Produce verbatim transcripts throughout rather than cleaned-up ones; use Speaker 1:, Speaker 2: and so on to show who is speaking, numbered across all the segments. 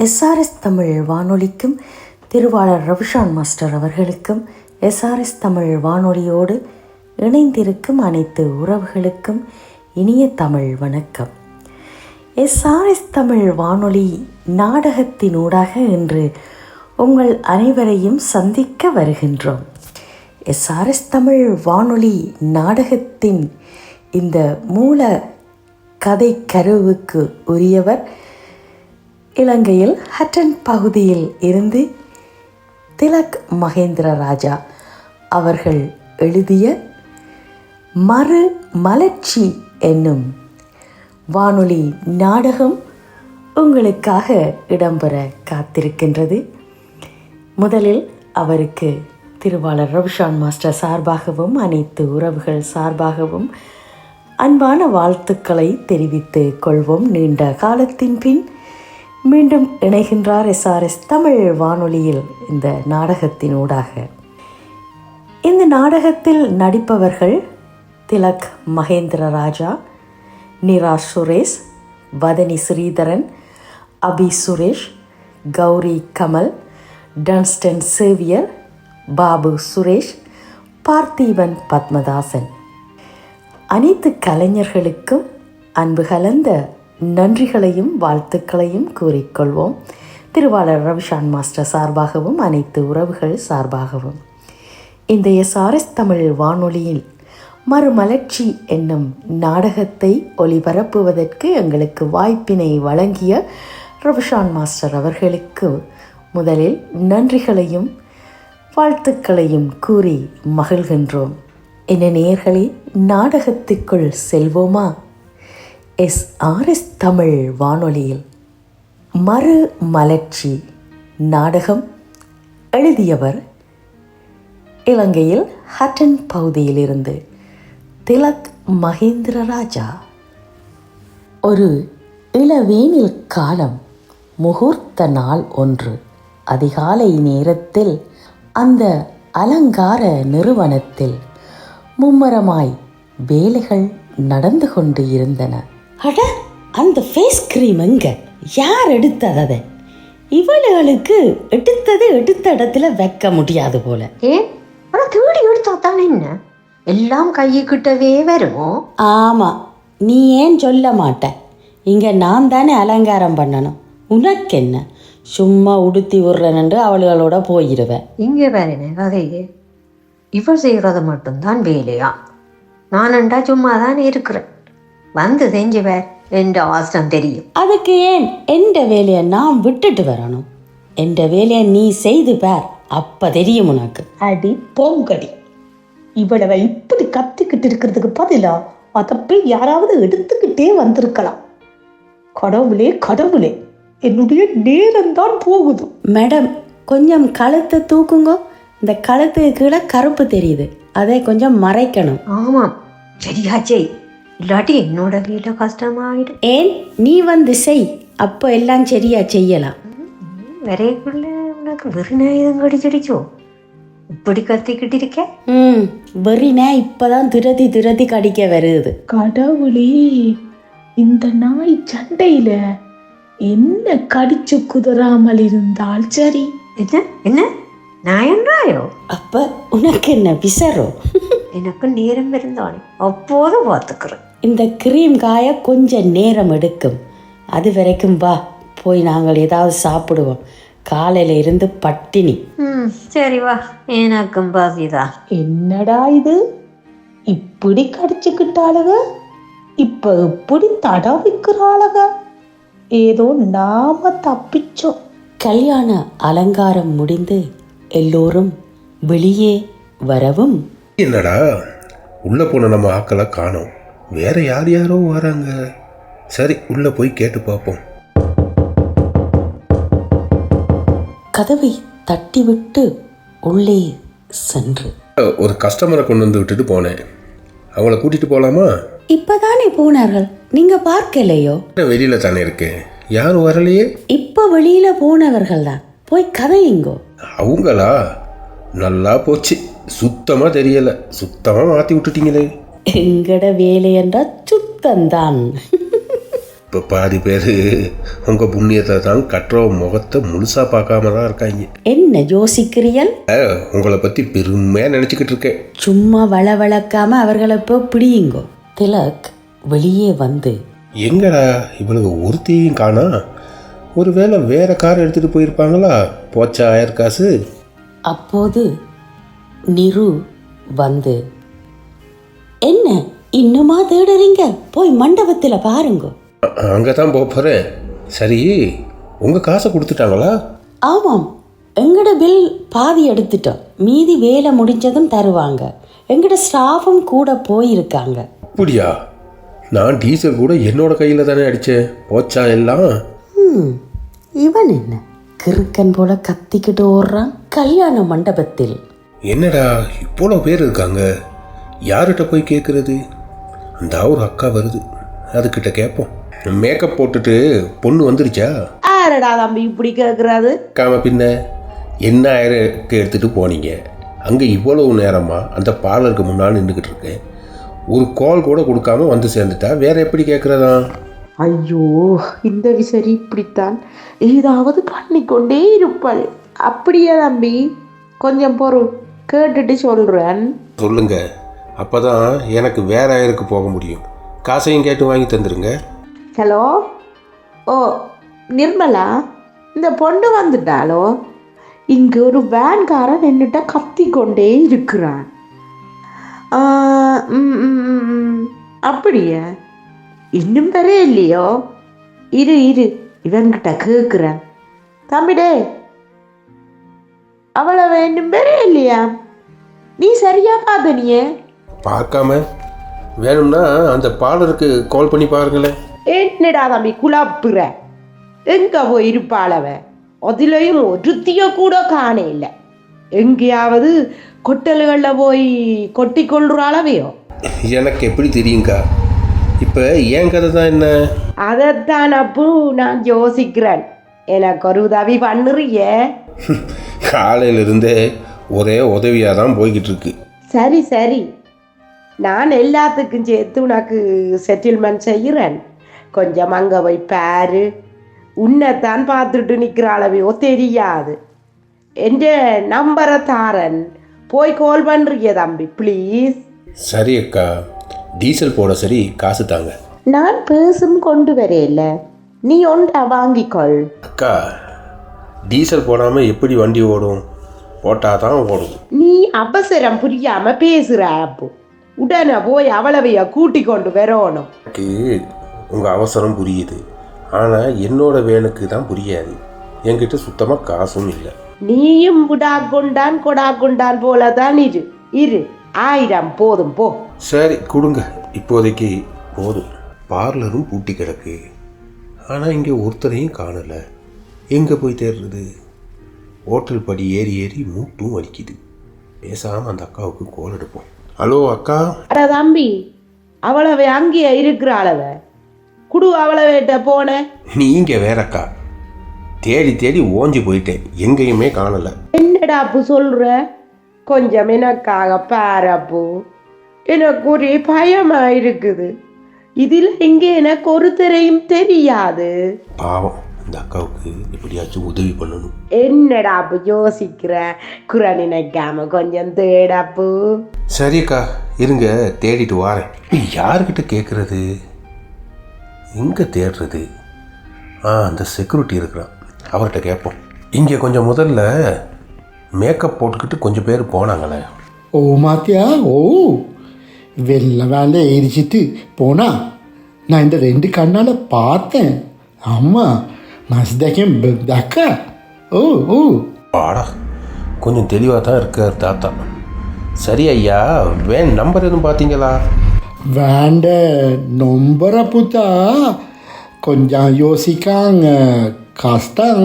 Speaker 1: SRS Tamil வானொலிக்கும் திருவாளர் Ravishan master அவர்களுக்கும் எஸ்ஆர்எஸ் தமிழ் வானொலியோடு இணைந்திருக்கும் அனைத்து உறவுகளுக்கும் இனிய தமிழ் வணக்கம். எஸ்ஆர்எஸ் தமிழ் வானொலி நாடகத்தினூடாக இன்று உங்கள் அனைவரையும் சந்திக்க வருகின்றோம். எஸ்ஆர்எஸ் தமிழ் வானொலி நாடகத்தின் இந்த மூல கதை கருவுக்கு உரியவர் இலங்கையில் ஹட்டன் பகுதியில் இருந்து திலக் மகேந்திர ராஜா அவர்கள் எழுதிய மறு மலர்ச்சி என்னும் வானொலி நாடகம் உங்களுக்காக இடம்பெற காத்திருக்கின்றது. முதலில் அவருக்கு திருவாளர் ரவிஷான் மாஸ்டர் சார்பாகவும் அனைத்து உறவுகள் சார்பாகவும் அன்பான வாழ்த்துக்களை தெரிவித்து கொள்வோம். நீண்ட காலத்தின் பின் மீண்டும் இணைகின்றார் எஸ்ஆர்எஸ் தமிழ் வானொலியில் இந்த நாடகத்தினூடாக. இந்த நாடகத்தில் நடிப்பவர்கள் திலக் மகேந்திர ராஜா, நிரா சுரேஷ், வதனி ஸ்ரீதரன், அபி சுரேஷ், கௌரி கமல், டன்ஸ்டன் சேவியர், பாபு சுரேஷ், பார்த்திபன் பத்மதாசன். அனைத்து கலைஞர்களுக்கும் அன்பு கலந்த நன்றிகளையும் வாழ்த்துக்களையும் கூறிக்கொள்வோம். திருவாளர் ரவிஷான் மாஸ்டர் சார்பாகவும் அனைத்து உறவுகள் சார்பாகவும் இந்த எஸ்ஆர்எஸ் தமிழ் வானொலியில் மறுமலர்ச்சி என்னும் நாடகத்தை ஒளிபரப்புவதற்கு எங்களுக்கு வாய்ப்பினை வழங்கிய ரவிஷான் மாஸ்டர் அவர்களுக்கு முதலில் நன்றிகளையும் வாழ்த்துக்களையும் கூறி மகிழ்கின்றோம். என்ன நேயர்களே, நாடகத்துக்குள் செல்வோமா? எஸ்ஆர்எஸ் தமிழ் வானொலியில் மறு மலர்ச்சி நாடகம் எழுதியவர் இலங்கையில் ஹட்டன் பகுதியிலிருந்து திலக் மகேந்திர ராஜா. ஒரு இளவேனில் காலம், முகூர்த்த நாள் ஒன்று. அதிகாலை நேரத்தில் அந்த அலங்கார நிறுவனத்தில் மும்மரமாய் வேலைகள் நடந்து கொண்டு இருந்தன. அட, அந்த ஃபேஸ் க்ரீம் எங்க? யார் எடுத்தது? அதை இவளுகளுக்கு எடுத்தது எடுத்த இடத்துல வைக்க முடியாது போல.
Speaker 2: ஏன் தேடி எடுத்தா தானே என்ன எல்லாம் கையிக்கிட்டவே வரும்.
Speaker 1: ஆமாம், நீ ஏன் சொல்ல மாட்ட? இங்கே நான் தானே அலங்காரம் பண்ணணும். உனக்கு என்ன? சும்மா உடுத்தி விடுறேன்னு அவளுகளோட போயிடுவேன்.
Speaker 2: இங்கே வேறேனே கதையே, இவள் செய்கிறது மட்டும்தான் வேலையா? நானண்டா சும்மா தான் இருக்கிறேன். வந்து செஞ்சு வேற என்ற அவசரம் தெரியும்.
Speaker 1: அதுக்கு ஏன் எந்த வேலையை நான் விட்டுட்டு வரணும்? எந்த வேலையை நீ செய்து பார், அப்ப தெரியும் உனக்கு.
Speaker 3: அடி போங்கடி, இவ்வளவு இப்படி கத்திக்கிட்டு இருக்கிறதுக்கு பதிலா அதை போய் யாராவது எடுத்துக்கிட்டே வந்திருக்கலாம். கடவுளே கடவுளே, என்னுடைய நேரம்தான் போகுது.
Speaker 1: மேடம், கொஞ்சம் கழுத்தை தூக்குங்க. இந்த கழுத்துக்கு கீழே கருப்பு தெரியுது, அதை கொஞ்சம் மறைக்கணும்.
Speaker 2: ஆமாம், சரியாச்சே, இல்லாட்டி என்னோட வேலை கஷ்டமாயிடும்.
Speaker 1: ஏன், நீ வந்து செய், அப்போ எல்லாம் சரியா செய்யலாம்.
Speaker 2: வரைக்குள்ள உனக்கு வெறிநாயுதம் கடிச்சிடிச்சோ? இப்படி கத்திக்கிட்டு இருக்க?
Speaker 1: ம், வெறினா இப்பதான் துரதி துரதி கடிக்க வருது.
Speaker 3: கடவுளே, இந்த நாய் சண்டையில என்ன கடிச்சு குதிராமல் இருந்தால் சரி.
Speaker 2: என்ன என்ன நாயன்றாயோ?
Speaker 1: அப்ப உனக்கு என்ன விசரோ?
Speaker 2: எனக்கு நேரம் இருந்தானே அப்போது பார்த்துக்கிறேன்.
Speaker 1: இந்த கிரீம் காய கொஞ்சம் நேரம் எடுக்கும். அது வரைக்கும் வா, போய் நாங்கள் ஏதாவது சாப்பிடுவோம். காலையில இருந்து பட்டினி.
Speaker 2: ம், சரி வா, எனக்கும் பாசிதான்.
Speaker 3: என்னடா இது, இப்படி கடிச்சுக்கிட்டாளுக, இப்ப இப்படி தடவிக்கிறாளுக. ஏதோ நாம தப்பிச்சோம்.
Speaker 1: கல்யாண அலங்காரம் முடிந்து எல்லோரும் வெளியே வரவும்,
Speaker 4: என்னடா உள்ள போன நம்ம ஆக்களை காணோம், வேற யார் யாரோ வராங்க. சரி, உள்ள போய் கேட்டு பார்ப்போம்.
Speaker 1: கதவை தட்டிவிட்டு உள்ளே சென்று
Speaker 4: ஒரு கஸ்டமரை கொண்டு வந்து விட்டுட்டு போனேன். அவங்கள கூட்டிட்டு போலாமா?
Speaker 1: இப்பதானே போனார்கள், நீங்க பார்க்கலையோ?
Speaker 4: வெளியில தானே இருக்கேன், யாரும் வரலையே.
Speaker 1: இப்ப வெளியில போனவர்கள் தான், போய் கதையுங்கோ.
Speaker 4: அவங்களா? நல்லா போச்சு, சுத்தமா தெரியல, சுத்தமா மாத்தி விட்டுட்டீங்களே.
Speaker 1: எங்கட வேலை என்றால் சுத்தந்தான்.
Speaker 4: இப்போ பாதி பேர் உங்கள் புண்ணியத்தை தான் கட்டுற முகத்தை முழுசாக பார்க்காம தான் இருக்காங்க.
Speaker 1: என்ன யோசிக்கிறீர்கள்?
Speaker 4: உங்களை பற்றி பெருமையாக நினச்சிக்கிட்டு இருக்கேன்.
Speaker 1: சும்மா வளவளக்காம அவர்களை இப்போ பிடியுங்கோ. திலக் வெளியே வந்து,
Speaker 4: எங்கடா இவளுக்கு ஒருத்தையும் காணா? ஒருவேளை வேற கார் எடுத்துகிட்டு போயிருப்பாங்களா? போச்சா ஆயிரம் காசு.
Speaker 1: அப்போது நிரு வந்து, என்ன இன்னுமா தேடுறீங்க? போய் மண்டபத்தில் பாருங்க.
Speaker 4: அங்கே தான் போக போகிறேன். சரி, உங்கள் காசை கொடுத்துட்டாங்களா?
Speaker 1: ஆமாம், எங்கட பில் பாதி எடுத்துட்டோம். மீதி வேலை முடிஞ்சதும் தருவாங்க. எங்கட ஸ்டாஃபும் கூட போயிருக்காங்க.
Speaker 4: அப்படியா? நான் டீசல் கூட என்னோட கையில் தானே அடித்தேன். போச்சா எல்லாம்?
Speaker 1: ம் இவன் என்ன கிறுக்கன் போல கத்திக்கிட்டு ஓடுறான். கல்யாண மண்டபத்தில்
Speaker 4: என்னடா இவ்வளோ பேர் இருக்காங்க, யார்கிட்ட போய் கேட்குறது? அந்த ஒரு அக்கா வருது, அதுக்கிட்ட கேட்போம். மேக்கப் போட்டுட்டு பொண்ணு வந்துருச்சா?
Speaker 3: ஆரடா தம்பி இப்படி கேட்குறாது?
Speaker 4: காம பின்ன என்ன ஆயிரக்கு எடுத்துகிட்டு போனீங்க? அங்கே இவ்வளவு நேரமாக அந்த பார்லருக்கு முன்னால் நின்றுக்கிட்டு இருக்கேன். ஒரு கால் கூட கொடுக்காம வந்து சேர்ந்துட்டா வேற எப்படி கேட்குறதா?
Speaker 3: ஐயோ, இந்த விசரி இப்படித்தான் ஏதாவது பண்ணிக்கொண்டே இருப்பாள். அப்படியே தம்பி, கொஞ்சம் பொருள் கேட்டுட்டு சொல்கிறேன்.
Speaker 4: சொல்லுங்க, அப்போ தான் எனக்கு வேற ஆயிருக்கு போக முடியும். காசையும் கேட்டு வாங்கி தந்துடுங்க.
Speaker 3: ஹலோ, ஓ நிர்மலா, இந்த பொண்ணு வந்துட்டாலோ? இங்கே ஒரு வேன்காரன் என்னிட்ட கத்தி கொண்டே இருக்கிறான். ம் ம், ம். அப்படியா? இன்னும் பெரிய இல்லையோ? இரு இரு இவன்கிட்ட கேட்குறேன். தம்பிடே, அவளை இன்னும் பெரிய இல்லையா? நீ சரியா பார்த்தனியே?
Speaker 4: பார்க்காம வேணும்னா அந்த பார்லருக்கு கால் பண்ணி பாருங்களேன்.
Speaker 3: என்னடா தம்பி குழப்புற? எங்க போய் இருப்பாளவ? அதுலேயும் ஒருத்திய கூட காண இல்லை. எங்கேயாவது கொட்டல்களில் போய் கொட்டி கொள்றாளவையோ?
Speaker 4: எனக்கு எப்படி தெரியுங்கா? இப்போ ஏன் கதை தான் என்ன?
Speaker 3: அதைத்தான் அப்போ நான் யோசிக்கிறேன். எனக்கு ஒரு உதவி பண்ணுறிய?
Speaker 4: காலையிலிருந்தே ஒரே உதவியாக தான் போய்கிட்டு இருக்கு.
Speaker 3: சரி சரி, நான் எல்லாத்துக்கும் சேர்த்து உனக்கு செட்டில்மெண்ட் செய்கிறேன். கொஞ்சம் அங்கே போய் பாரு. உன்னைத்தான் பார்த்துட்டு நிற்கிறாளவையோ தெரியாது. என்ற நம்பரை தாரன், போய் கால் பண்ணுறிய தம்பி ப்ளீஸ்.
Speaker 4: சரி அக்கா, டீசல் போட சரி காசு தாங்க.
Speaker 3: நான் பேசும் கொண்டு வரையில, நீ ஒன்றா வாங்கிக்கொள்.
Speaker 4: அக்கா, டீசல் போடாமல் எப்படி வண்டி ஓடும்? போட்டால் தான் ஓடும்.
Speaker 3: நீ அவசரம் புரியாம பேசுற. அப்போ உடனே போய் அவளவைய கூட்டி கொண்டு வரணும்.
Speaker 4: எனக்கு உங்கள் அவசரம் புரியுது, ஆனால் என்னோட வேனுக்கு தான் புரியாது. என்கிட்ட சுத்தமாக காசும் இல்லை.
Speaker 3: நீயும் புடா கொண்டான் கொடா கொண்டான் போலதான் இரு இரு ஆயிரம் போதும் போ.
Speaker 4: சரி கொடுங்க, இப்போதைக்கு போதும். பார்லரும் பூட்டி கிடக்கு, ஆனால் இங்கே ஒருத்தரையும் காணலை. எங்கே போய் தேடுறது? ஹோட்டல் படி ஏறி ஏறி மூட்டும் வலிக்குது. பேசாமல் அந்த அக்காவுக்கு கோல் எடுப்போம். ஹலோ அக்கா.
Speaker 3: அட தம்பி, அவளவை அங்கேயே இருக்கிறாளவ குடு. அவளவேட்ட போன.
Speaker 4: நீங்கள் வேற அக்கா, தேடி தேடி ஓஞ்சி போயிட்டேன், எங்கேயுமே காணலை.
Speaker 3: என்னடா அப்பு சொல்ற? கொஞ்சம் எனக்காக பாரப்பு. எனக்கு ஒரே பயமா இருக்குது. இதில் இங்கே எனக்கு ஒருத்தரையும் தெரியாது.
Speaker 4: பாவம், இந்த அக்காவுக்கு எப்படியாச்சும் உதவி பண்ணணும்.
Speaker 3: என்னடா அப்பு யோசிக்கிற? குறை நினைக்காம கொஞ்சம் தேடாப்பு.
Speaker 4: சரி அக்கா, இருங்க தேடிட்டு வாரேன். யார்கிட்ட கேட்குறது? எங்கே தேடுறது? ஆ, அந்த செக்யூரிட்டி இருக்கிறான், அவர்கிட்ட கேட்போம். இங்கே கொஞ்சம் முதல்ல மேக்கப் போட்டுக்கிட்டு கொஞ்சம் பேர் போனாங்களே.
Speaker 5: ஓ மாத்தியா, ஓ வெள்ளை வேலை எரிச்சிட்டு போனா நான் இந்த ரெண்டு கண்ணால் பார்த்தேன். ஆமாம், மஸ்தகம் தக்கா. ஓ ஓ
Speaker 4: ஆடா, கொஞ்சம் தெளிவாக தான் இருக்கார் தாத்தா. சரி ஐயா, வேன் நம்பர் எதுவும் பார்த்தீங்களா?
Speaker 5: வேண்ட நொம்பர புத்தா கொஞ்சம் யோசிக்காங்க கஷ்டம்.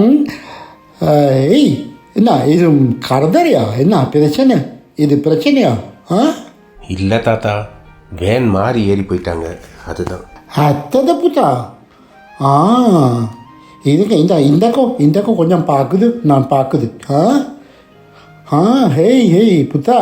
Speaker 5: ஏய், என்ன இது கரதறியா? என்ன பிரச்சனை? இது பிரச்சனையா? ஆ
Speaker 4: இல்லை தாத்தா, வேன் மாறி ஏறி போயிட்டாங்க, அதுதான்.
Speaker 5: அத்தத புத்தா. ஆ இதுக்கு இந்த இந்தக்கோ இந்தக்கோ கொஞ்சம் பார்க்குது, நான் பார்க்குது. ஆ ஆ ஹேய் ஹேய் புத்தா,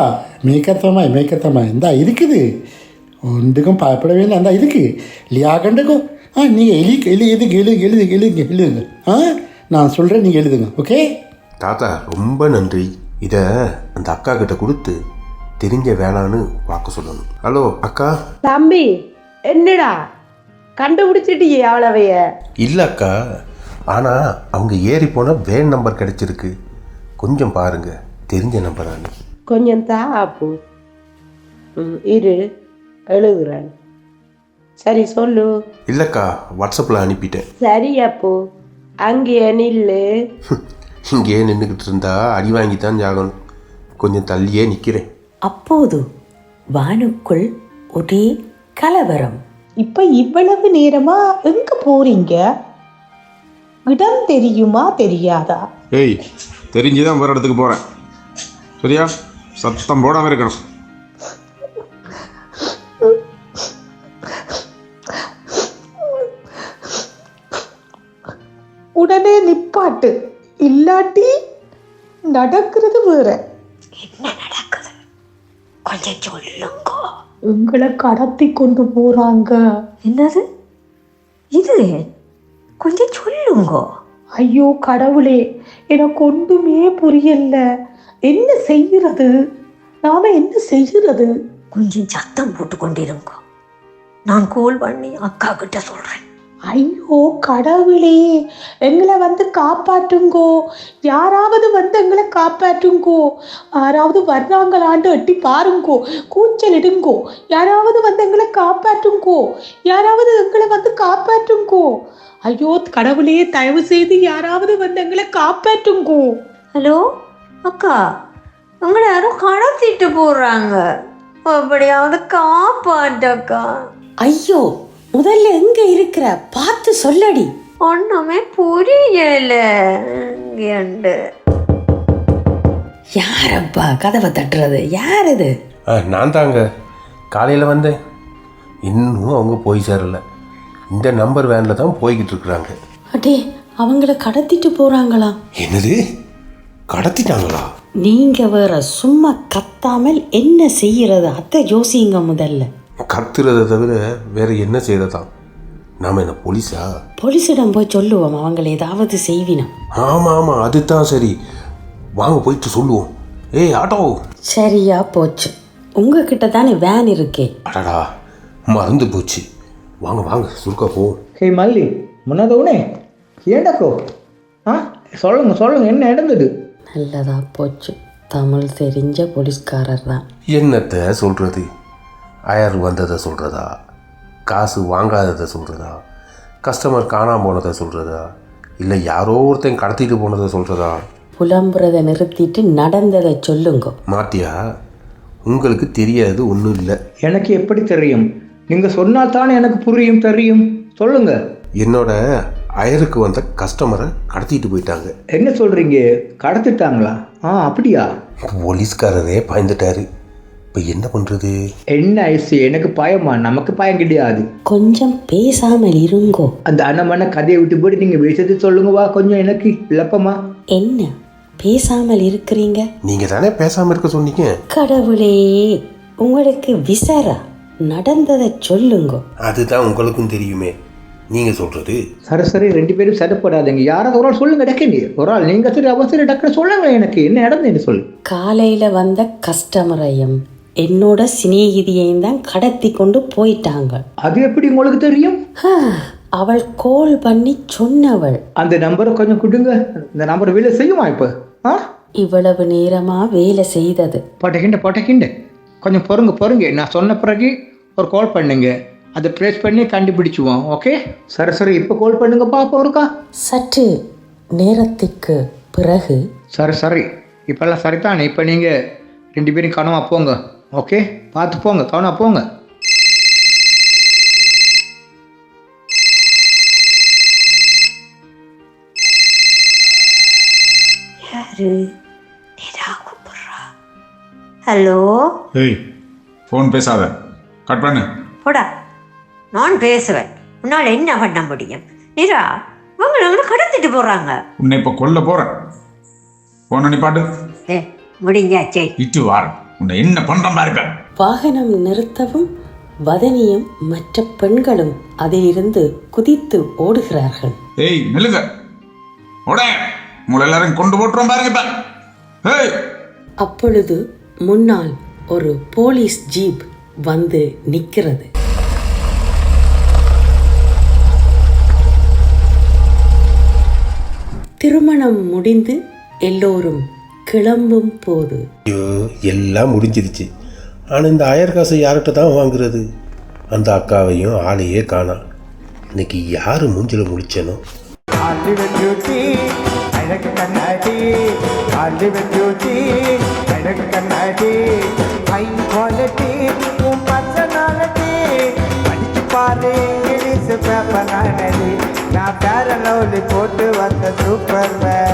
Speaker 5: மேக்கத்தமாய் மேக்கத்தமாய் இந்தா இருக்குது. ஒன்றுக்கும் பயப்பட வேண்டாம், இந்தா இருக்கு லியாகண்டுக்கும். ஆ நீங்கள் எழுதி எழுதி எதுக்கு எழுதுங்க எழுதுங்க எழுதுங்க எழுதுங்க ஆ நான் சொல்கிறேன் நீங்கள் எழுதுங்க ஓகே.
Speaker 4: தாத்தா ரொம்ப நன்றி. இதை அந்த அக்கா கிட்ட கொடுத்து தெரிஞ்ச வேணான்னு பார்க்க சொல்லணும். ஹலோ அக்கா.
Speaker 3: தம்பி என்னடா கண்டுபிடிச்சிட்டியே அவ்வளவைய?
Speaker 4: இல்லை அக்கா, ஆனால் அவங்க ஏறி போனால் வேன் நம்பர் கிடைச்சிருக்கு. கொஞ்சம் பாருங்க, தெரிஞ்ச நம்பரானு.
Speaker 3: கொஞ்சம் தா அப்போ. ம் இரு எழுதுறேன். சரி சொல்லு.
Speaker 4: இல்லைக்கா, வாட்ஸ்அப்பில் அனுப்பிட்டேன்.
Speaker 3: சரி அப்போ அங்கேயே நில்லு.
Speaker 4: இங்கேயே நின்றுக்கிட்டு இருந்தா அடி வாங்கி தான் ஜாகணும். கொஞ்சம் தள்ளியே நிற்கிறேன்.
Speaker 1: அப்போது வானுக்குள் ஒரே கலவரம்.
Speaker 6: இப்ப இவ்வளவு நேரமா எங்க போறீங்க? இடம் தெரியுமா தெரியாதா?
Speaker 7: ஏய், தெரிஞ்சுதான் வேறு இடத்துக்கு போகிறேன். சரியா? சத்தம் போடாமல் இருக்கணும்.
Speaker 6: உடனே நிப்பாட்டு, இல்லாட்டி நடக்கிறது வேற.
Speaker 2: என்ன நடக்குது கொஞ்சம் சொல்லுங்க.
Speaker 6: உங்களை கடத்தி கொண்டு போறாங்க.
Speaker 2: என்னது இது? கொஞ்சம் சொல்லுங்க.
Speaker 6: ஐயோ கடவுளே, எனக்கு ஒன்றுமே புரியல. என்ன செய்யறது? நாம என்ன செய்யறது?
Speaker 2: கொஞ்சம் சத்தம் போட்டு கொண்டிருங்க. நான் கால் பண்ணி அக்கா கிட்ட சொல்றேன்.
Speaker 6: ஐயோ கடவுளே, எங்களை வந்து காப்பாற்றுங்கோ. யாராவது வந்து எங்களை காப்பாற்றுங்கோ. யாராவது வர்றாங்களான்னு எட்டி பாருங்கோ, கூச்சல் இடுங்கோ. யாராவது வந்து எங்களை காப்பாற்றுங்கோ. யாராவது எங்களை வந்து காப்பாற்றுங்கோ. ஐயோ கடவுளே, தயவு செய்து யாராவது வந்து எங்களை காப்பாற்றுங்கோ.
Speaker 2: ஹலோ அக்கா, உங்களை யாரும் கடத்திட்டு போடுறாங்க. அப்படியாவது காப்பாற்றக்கா.
Speaker 1: ஐயோ, முதல்ல எங்க இருக்கிற பார்த்து சொல்லடி.
Speaker 2: ஒண்ணுமே புரியல. இங்கேண்டு
Speaker 1: யாரப்பா கதவை தட்டுறது? யார் இது?
Speaker 4: ஆ நான் தாங்க. காலையில் வந்தேன், இன்னும் அவங்க போய் சேரல. இந்த நம்பர் வேனில் தான் போய்கிட்டு இருக்கிறாங்க.
Speaker 1: அடே, அவங்கள கடத்திட்டு போறாங்களா?
Speaker 4: என்னது, கடத்திட்டாங்களா?
Speaker 1: நீங்க வேற சும்மா கத்தாமல் என்ன செய்யறது அதை யோசிங்க முதல்ல.
Speaker 4: கத்துறதை தவிர வேற என்ன செய்யறதான்? நாம என்ன போலீஸா?
Speaker 1: போலீஸிடம் போய் சொல்லுவோம், அவங்கள ஏதாவது செய்வினோம்.
Speaker 4: ஆமாம் ஆமாம், அதுதான் சரி. வாங்க போயிட்டு சொல்லுவோம். ஏய் ஆட்டோ.
Speaker 1: சரியா போச்சு, உங்ககிட்ட தானே வேன் இருக்கே.
Speaker 4: அடடா, மறந்து போச்சு. வாங்க வாங்க சுருக்கா போவோம்.
Speaker 8: ஹே மல்லி, முன்னதோனே ஏண்டக்கோ? ஆ சொல்லுங்க சொல்லுங்க, என்ன நடந்தது?
Speaker 1: நல்லதா போச்சு, தமிழ் தெரிஞ்ச போலீஸ்காரர் தான்.
Speaker 4: என்னத்தை சொல்கிறது? அயர் வந்ததை சொல்கிறதா, காசு வாங்காததை சொல்கிறதா, கஸ்டமர் காணாமல் போனதை சொல்கிறதா, இல்லை யாரோ ஒருத்தன் கடத்திட்டு போனதை சொல்கிறதா?
Speaker 1: புலம்புறதை நிறுத்திட்டு நடந்ததை சொல்லுங்க.
Speaker 4: மாத்தியா, உங்களுக்கு தெரியாது ஒன்றும் இல்லை.
Speaker 8: எனக்கு எப்படி தெரியும்? நீங்கள் சொன்னால் தானே எனக்கு புரியும் தெரியும். சொல்லுங்க.
Speaker 4: என்னோட அயருக்கு வந்த கஸ்டமரை கடத்திட்டு போயிட்டாங்க.
Speaker 8: என்ன சொல்கிறீங்க? கடத்திட்டாங்களா? ஆ அப்படியா?
Speaker 4: போலீஸ்காரரே பயந்துட்டாரு. இப்போ என்ன பண்ணுறது?
Speaker 8: என்ன ஐசி, எனக்கு பயமா? நமக்கு பயம் கிடையாது.
Speaker 1: கொஞ்சம் பேசாமல் இருங்கோ.
Speaker 8: அந்த அண்ணமான கதையை விட்டு போட்டு நீங்கள் விஷயத்தை சொல்லுங்கவா கொஞ்சம், எனக்கு விளப்பமா.
Speaker 1: என்ன பேசாமல் இருக்கிறீங்க?
Speaker 4: நீங்கள் தானே பேசாமல் இருக்க சொன்னீங்க.
Speaker 1: கடவுளே, உங்களுக்கு விசாரா, நடந்ததை சொல்லுங்க.
Speaker 4: அதுதான் உங்களுக்கும் தெரியுமே, நீங்கள் சொல்கிறது.
Speaker 8: சரி சரி, ரெண்டு பேரும் சட்டப்படாதீங்க. யாராவது ஒரு ஆள் சொல்லுங்க டக்குன்னு. ஒரு ஆள் நீங்கள் சரி அவசரம் டக்குன்னு சொல்லுங்க. எனக்கு என்ன நடந்ததுன்னு சொல்லு.
Speaker 1: காலையில் வந்த கஸ்டமரையும் என்னோட சிநேகிதியையும் தான் கடத்தி கொண்டு போயிட்டாங்க.
Speaker 8: அது எப்படி உங்களுக்கு தெரியும்?
Speaker 1: அவள் கால் பண்ணி சொன்னவள்.
Speaker 8: அந்த நம்பரை கொஞ்சம் கொடுங்க. இந்த நம்பர் வேலை செய்யுமா இப்போ? ஆ
Speaker 1: இவ்வளவு நேரமா வேலை செய்தது.
Speaker 8: போட்டக்கிண்ட போட்டக்கிண்ட கொஞ்சம் பொறுங்க பொறுங்க. நான் சொன்ன பிறகு ஒரு கால் பண்ணுங்க, அதை ட்ரேஸ் பண்ணி கண்டுபிடிச்சுவோம். ஓகே சரி சரி, இப்போ கால் பண்ணுங்க பாப்போம் இருக்கா.
Speaker 1: சற்று நேரத்துக்கு பிறகு.
Speaker 8: சரி சரி, இப்போல்லாம் சரிதானே. இப்போ நீங்கள் ரெண்டு பேரும் கவனமாக போங்க. ஓகே, பார்த்து போங்க, கவனமாக போங்க.
Speaker 2: யாரு? நிரா கூப்பிட்றா. ஹலோ.
Speaker 7: ஏய், ஃபோன் பேசாத, கட் பண்ணு.
Speaker 2: போடா, நான் பேசுவேன். உன்னால் என்ன பண்ண முடியும்? நிரா, உங்களை எங்களை கடத்திட்டு போகிறாங்க.
Speaker 7: உன்னை இப்போ கொல்ல போகிறேன். ஃபோன் நிப்பாட்டு.
Speaker 2: ஏ முடிஞ்சாச்சே.
Speaker 7: இட்டு வாரம் உன்னை என்ன பண்ணுற மாதிரி இருக்க.
Speaker 1: வாகனம் நிறுத்தவும் வதனியும் மற்ற பெண்களும் அதிலிருந்து குதித்து ஓடுகிறார்கள்.
Speaker 7: ஏய் நில்லுங்க, ஓட உங்களை எல்லாரும் கொண்டு போட்டுறோம் பாருங்க இப்ப. ஏய்
Speaker 1: அப்பொழுது முன்னால் ஒரு போலீஸ் ஜீப் வந்து நிற்கிறது. திருமணம் முடிந்து எல்லோரும் கிளம்பும் போது
Speaker 4: ஐயோ எல்லாம் முடிஞ்சிருச்சு. ஆனால் இந்த ஆயிரம் காசை யார்கிட்ட தான் வாங்குறது? அந்த அக்காவையும் ஆளையே காணாம். இன்னைக்கு யார் மூஞ்சில் முடிச்சனோ?
Speaker 9: நான் பேர லவ்லி போட்டு வந்த சூப்பர்